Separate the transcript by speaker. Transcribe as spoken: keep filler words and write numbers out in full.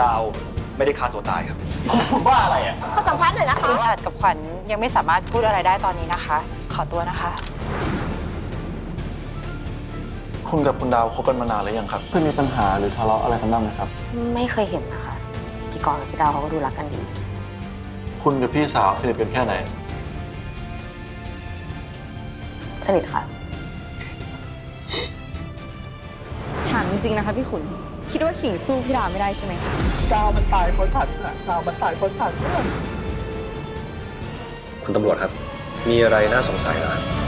Speaker 1: ดาวไม่ได้ฆ่าตัวตายครับ
Speaker 2: คุณพูดว่าอะไรอ่ะ
Speaker 3: ขอสัมภาษณ์หน่อยนะคะ
Speaker 4: คุณฉัตรกับขวัญยังไม่สามารถพูดอะไรได้ตอนนี้นะคะ ขอตัวนะคะ
Speaker 5: คุณกับคุณดาวคบกันมานานหรือยังครับเคยมีปัญหาหรือทะเลาะอะไรกันบ้างไหมครับ
Speaker 6: ไม่เคยเห็นนะคะพี่กรณ์กับพี่ดาวเขาก็ดูรักกันดี
Speaker 5: คุณกับพี่สาวสนิทกันแค่ไหน
Speaker 6: สนิทค่ะ
Speaker 7: ถามจริงๆนะคะพี่ขุน คิดว่าขิงสู้พี่ดาวไม่ได้ใช่ไหมคะ
Speaker 2: ดาวมันตายเพราะฉันนะดาวมันตายเพราะฉันนะ
Speaker 1: คุณตำรวจครับ มีอะไรน่าสงสัยเหรอครับ